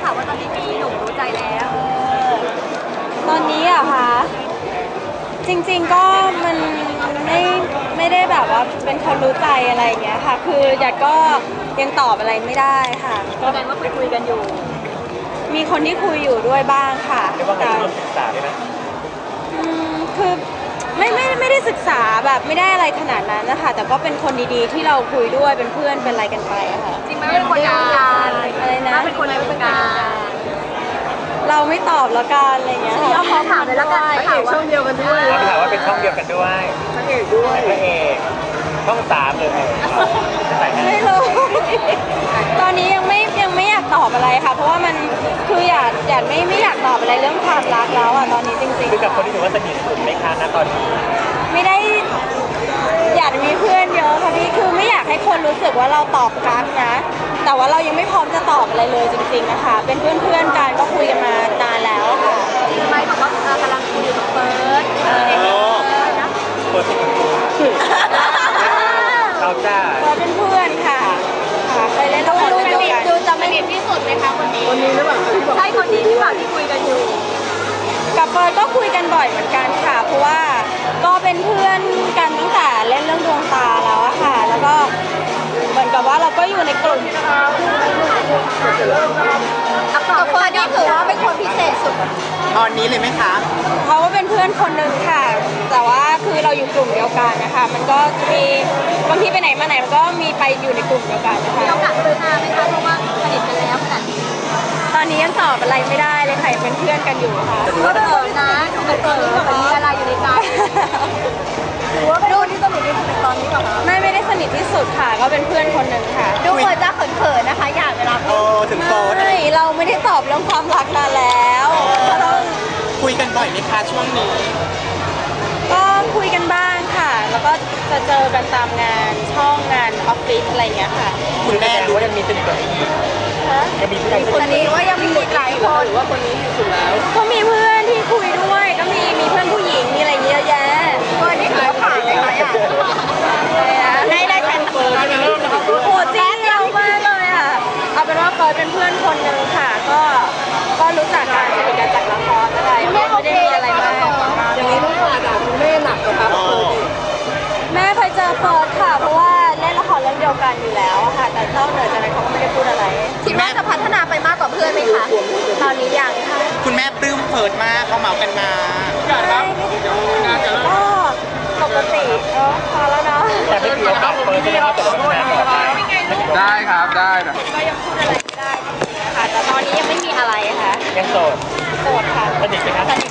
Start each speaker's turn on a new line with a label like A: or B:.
A: ข่าวว่าตอนนี้มีหนุ่มรู้ใจแล้ว
B: ตอนนี้อะคะจริงๆก็มันไม่ได้แบบว่าเป็นคนรู้ใจอะไรอย่างเงี้ยค่ะคือหยาดก็ยังตอบอะไรไม่ได้ค่ะ
A: ก็แสดงว่าคุยกันอยู่
B: มีคนที่คุยอยู่ด้วยบ้างค่ะ
C: เรียกว่าการศึกษาด้วยนะ
B: คือไม่ได้ศึกษาแบบไม่ได้อะไรขนาดนั้นนะคะแต่ก็เป็นคนดีๆที่เราคุยด้วยเป็นเพื่อนเป็นอะไรกันไปอะค่ะ
A: จริงไหมเป็นคนในวงการ
B: อะไรนะ
A: เป็นคนในวงการ
B: เราไม่ตอบแล้วกันอะไรเงี้ย
A: พี่เอาขอถามเลยแล้วกัน
D: พระเอกช่องเดียวกันด้วย
C: เราถามว่าเป็นช่องเดียวกันด้วย
D: พระเอกด้วย
C: พระเอกช่อง3เลย
B: ไม่รู้ตอนนี้ยังไม่อยากตอบอะไรค่ะเพราะว่ามันคืออยากไม่อยากตอบอะไรเรื่องความรักแล้วอ่ะตอนนี้จริงๆ
C: คือกับคนที่ถือว่าสนิทสุดไหมคะณตอนนี้
B: ไม่ได้อยากมีเพื่อนเยอะค่ะพี่คือไม่อยากให้คนรู้สึกว่าเราตอบรักนะแต่ว่าเรายังไม่พร้อมจะตอบอะไรเลยจริงๆนะคะเป็นเพื่อนกันก็คุยกันมานานแล้วค่ะ
A: ทำไมบอกว่ากำลังคุยอยู่กับเฟิร์ส
C: เปิดติดเราจ้า
B: เป็นเพื่อนค่ะเคยเล่นละครด้วยกัน
A: ดูจะไม่เห็นที่สุดไหมคะคนนี้
D: หรือเปล่า
A: ใช่คนนี้หรือเปล่าที่คุยกันอยู่
B: กับเฟิร์นก็คุยกันบ่อยเหมือนกันค่ะเพราะว่าก็เป็นเพื่อนกันตั้งแต่เล่นเรื่องดวงตาแล้วอะค่ะแล้วก็เหมือนกับว่าเราก็อยู่ในกลุ่ม
A: กับเฟิร์นนี่ถือว่าเป็นคนพิเศษสุด
D: ตอนนี้เลยไหมคะ
B: เขาก็เป็นเพื่อนคนหนึ่งค่ะแต่ว่าคือเราอยู่กลุ่มเดียวกันนะคะมันก็มีบางทีไปไหนมาไหนมันก็มีไปอยู่ในกลุ่มเดียวกันนะคะ
A: มีโอกาสเจอหน้าไหมคะเพราะว่าสนิทกันแล้วขนาดนี้
B: ตอนนี้ยังตอบอะไรไม่ได้เลยค่ะเป็นเพื่อนกันอยู่ค่ะ
A: ก็เปิดนะดูเป็นตัวนี้แบบมีอะไรอยู่ในใจดูว่าเป็นคนที่สนิทที่สุดในตอนนี้หรอคะ
B: ไม่ได้สนิทที่สุดค่ะก็เป็นเพื่อนคนหนึ่งค่ะ
A: ดูเหมือนจะเขินๆนะคะอยากเวลา
D: ถึงโต
B: ไม่เราไม่ได้ตอบเรื่องความรักนานแล้วต้อง
D: คุยกันบ่อยไหมคะช่วงนี้
B: ก็คุยกันบ้างค่ะแล้วก็จะเจอกันตามงานช่องงานออฟฟิศอะไรอย่างเงี้ยค่ะ
C: คุณแม่รู้ว่ายังมีสนิทกับอีกยังมีเพื่อน
A: คนนี้ว่ายังมีอีกหลายคน
D: หรือว่าคนนี้อยู่สุดแล้ว
B: ก็มีเพื่อนที่คุยด้วยก็มีเพื่อนผู้หญิงมีอะไรเยอะแยะ
A: คนนี้ถือว่าผ่านเลยไหมอ่ะได้แทนเฟิร์ส
B: โหจริงเรามากเลยอ่ะเอาเป็นว่าเฟิร์สเป็นเพื่อนคนหนึ่งค่ะก็รู้จักกันสนิทกันจากละครอะไรไม่ได้มีอะไรมาก
D: อย่างนี้ต้องฝากคุณแม่หนักนะครับ
B: แม่เคยเจอเฟิร์สค่ะเพราะว่าเล่นละครเรื่องเดียวกันอยู่แล้วค่ะแต่นอกเหนือจากนั้นเขาก็ไม่ได้พูดอะไร
A: คิดว่าจะพัฒนาไปมากกว่าเพื่อนไหมคะ
B: ตอนนี้ยังค่ะ
D: คุณแม่ปลื้มเฟิร์สมากเขาเหมากันมา
B: ก็ปกติพอแล้วเนาะ
C: แต่ไม่มีโอกาสเปิดใช่ไหมครับ
D: ได้ครับได้นะ
B: ก็ยังพูดอะไรไม่ได้จริงๆค่ะแต่ตอนนี้ยังไม่มีอะไรค่ะ
C: ยังโสด
B: โสดค่ะ
C: สนิทไหมครับ